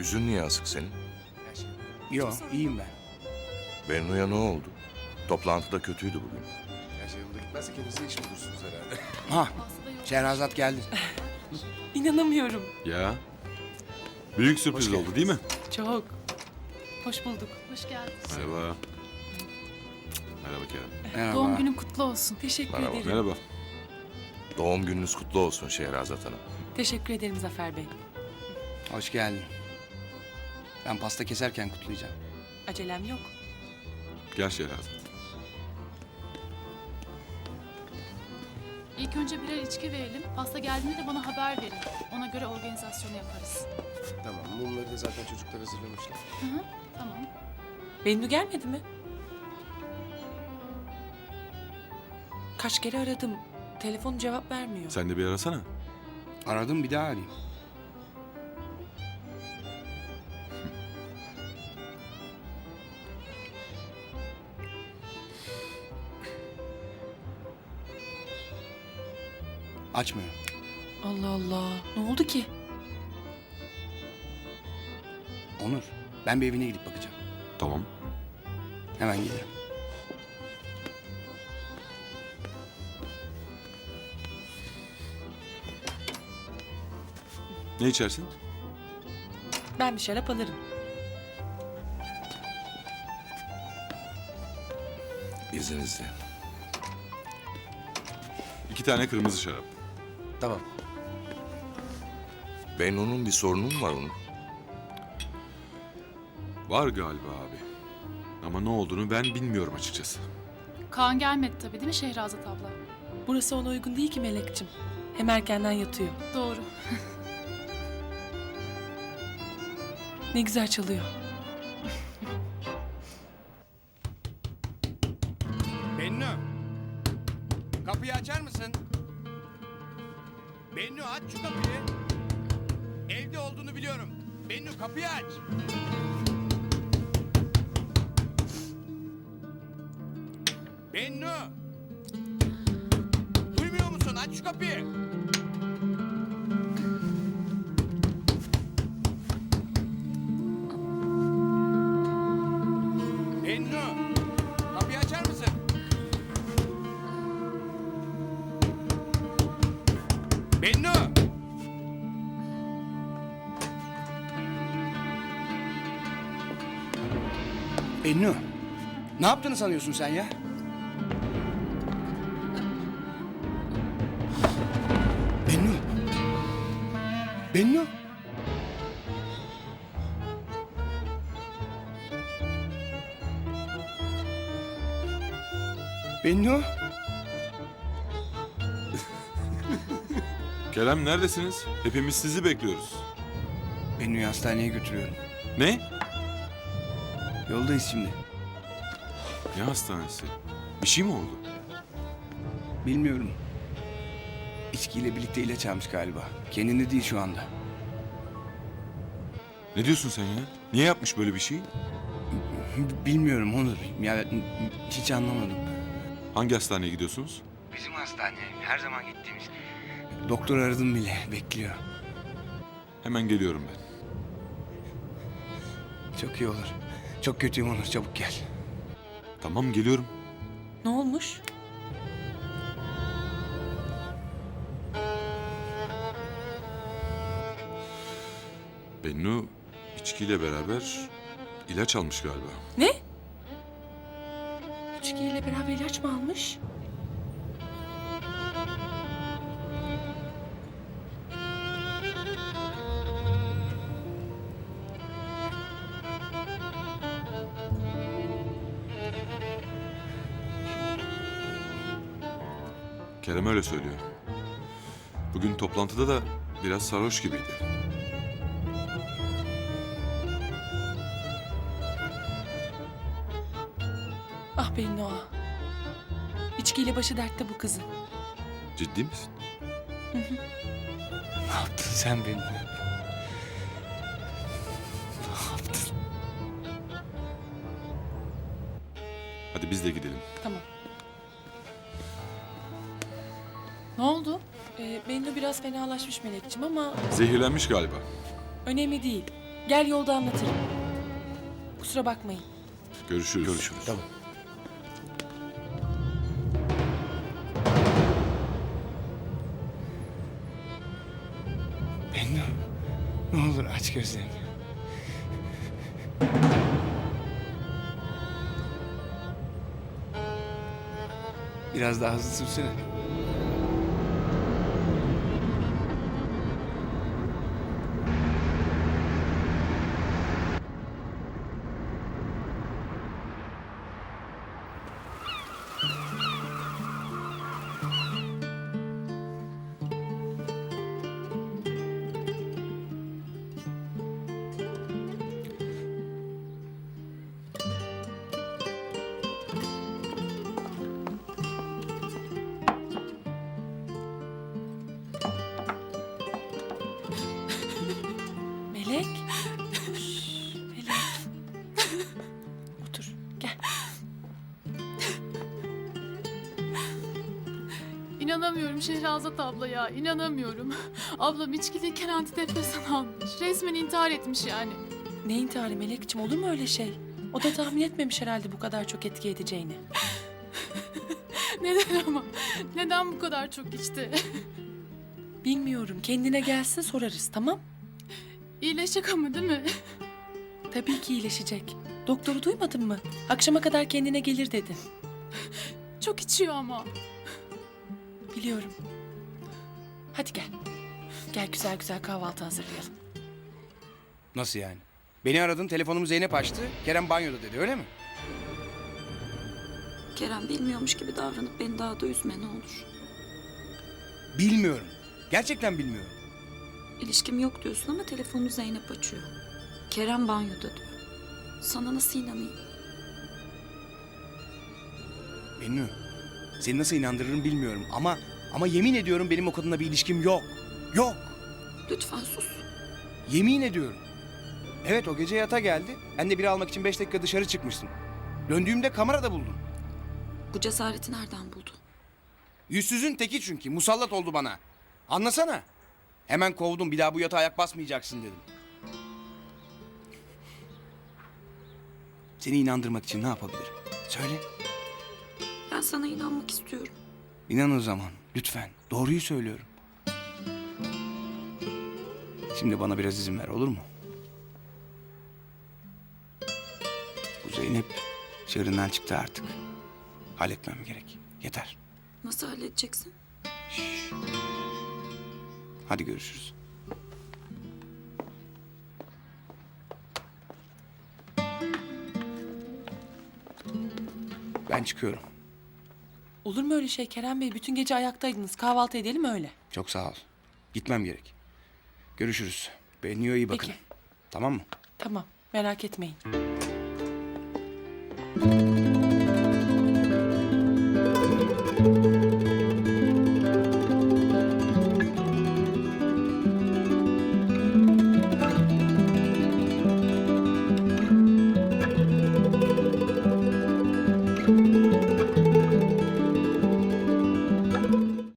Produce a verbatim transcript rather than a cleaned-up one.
Yüzün niye asık senin? Yok, iyiyim ben. Bennu'ya ne oldu? Toplantıda kötüydü bugün. Her şey yolunda gitmezse kendinize iş bulursunuz herhalde. Ha, Şehrazat geldi. İnanamıyorum. Ya. Büyük sürpriz Hoş oldu değil mi? Çok. Hoş bulduk. Hoş geldin. Merhaba. Merhaba Kerem. Merhaba. Doğum günün kutlu olsun. Teşekkür Merhaba. ederim. Merhaba. Doğum gününüz kutlu olsun Şehrazat Hanım. Teşekkür ederim Zafer Bey. Hoş geldin. Ben pasta keserken kutlayacağım. Acelem yok. Gel Şehrazat. İlk önce birer içki verelim. Pasta geldiğinde de bana haber verin. Ona göre organizasyonu yaparız. Tamam, mumları da zaten çocuklar hazırlamışlar. Hı hı, tamam. Bennu gelmedi mi? Kaç kere aradım. Telefon cevap vermiyor. Sen de bir arasana. Aradım, bir daha arayayım. Açmıyor. Allah Allah. Ne oldu ki? Onur, ben bir evine gidip bakacağım. Tamam. Hemen gelirim. Ne içersin? Ben bir şarap alırım. İzninizle. İki tane kırmızı şarap. Tamam. Bennu'nun bir sorunu mu var onun? Var galiba abi. Ama ne olduğunu ben bilmiyorum açıkçası. Kaan gelmedi tabii değil mi Şehrazat abla? Burası ona uygun değil ki Melek'ciğim. Hem erkenden yatıyor. Doğru. Ne güzel çalıyor. Bennu, kapıyı açar mısın? Bennu, aç şu kapıyı. Evde olduğunu biliyorum. Bennu, kapıyı aç. Bennu! Duymuyor musun? Aç şu kapıyı. Bennu! Kapıyı açar mısın? Bennu! Bennu! Ne yaptığını sanıyorsun sen ya? Bennu! Bennu! Bennu! Kerem neredesiniz? Hepimiz sizi bekliyoruz. Bennu'yu hastaneye götürüyorum. Ne? Yoldayız şimdi. Ne hastanesi? Bir şey mi oldu? Bilmiyorum. İçkiyle birlikte ilaç almış galiba. Kendinde değil şu anda. Ne diyorsun sen ya? Niye yapmış böyle bir şey? B- Bilmiyorum Onur. Ya hiç anlamadım. Hangi hastaneye gidiyorsunuz? Bizim hastane. Her zaman gittiğimiz. Doktor aradım bile. Bekliyor. Hemen geliyorum ben. Çok iyi olur. Çok kötüyüm Onur. Çabuk gel. Tamam geliyorum. Ne olmuş? Bennu içkiyle beraber ilaç almış galiba. Ne? İçkiyle beraber ilaç mı almış? Kerem öyle söylüyor. Bugün toplantıda da biraz sarhoş gibiydi. Ah Bennu ah. İçkiyle başı dertte bu kızın. Ciddi misin? Ne yaptın sen Bennu? Hadi biz de gidelim. Tamam. Ne oldu? Ee, Bennu biraz fenalaşmış Melek'ciğim ama Zehirlenmiş galiba. önemli değil. Gel yolda anlatırım. Kusura bakmayın. Görüşürüz. Görüşürüz. Tamam. Bennu, ne olur aç gözlerini. Biraz daha hızlı sürsene. Melek. Şş, Melek. Otur. Gel. İnanamıyorum Şehrazat abla ya, inanamıyorum. Ablam içkiliyken antidepresan almış. Resmen intihar etmiş yani. Ne intiharı Melekciğim, olur mu öyle şey? O da tahmin etmemiş herhalde bu kadar çok etki edeceğini. Neden ama? Neden bu kadar çok içti? Bilmiyorum. Kendine gelsin sorarız, tamam? İyileşecek ama değil mi? Tabii ki iyileşecek. Doktoru duymadın mı? Akşama kadar kendine gelir dedi. Çok içiyor ama. Biliyorum. Hadi gel. Gel güzel güzel kahvaltı hazırlayalım. Nasıl yani? Beni aradın, telefonumu Zeynep açtı. Kerem banyoda dedi, öyle mi? Kerem bilmiyormuş gibi davranıp beni daha da üzme ne olur. Bilmiyorum. Gerçekten bilmiyorum. İlişkim yok diyorsun ama telefonu Zeynep açıyor. Kerem banyoda diyor. Sana nasıl inanayım? Bennu, seni nasıl inandırırım bilmiyorum ama ama yemin ediyorum benim o kadınla bir ilişkim yok. Yok. Lütfen sus. Yemin ediyorum. Evet, o gece yata geldi. Ben de biri almak için beş dakika dışarı çıkmıştım. Döndüğümde kamerada buldum. Bu cesareti nereden buldu? Yüzsüzün teki çünkü. Musallat oldu bana. Anlasana. Hemen kovdum. Bir daha bu yatağa ayak basmayacaksın dedim. Seni inandırmak için ne yapabilirim? Söyle. Ben sana inanmak istiyorum. İnan o zaman. Lütfen. Doğruyu söylüyorum. Şimdi bana biraz izin ver, olur mu? Bu Zeynep çığırından çıktı artık. Halletmem gerek. Yeter. Nasıl halledeceksin? Hadi görüşürüz. Ben çıkıyorum. Olur mu öyle şey Kerem Bey? Bütün gece ayaktaydınız. Kahvaltı edelim öyle. Çok sağ ol. Gitmem gerek. Görüşürüz. Bennu'ya iyi bakın. Peki. Tamam mı? Tamam, merak etmeyin.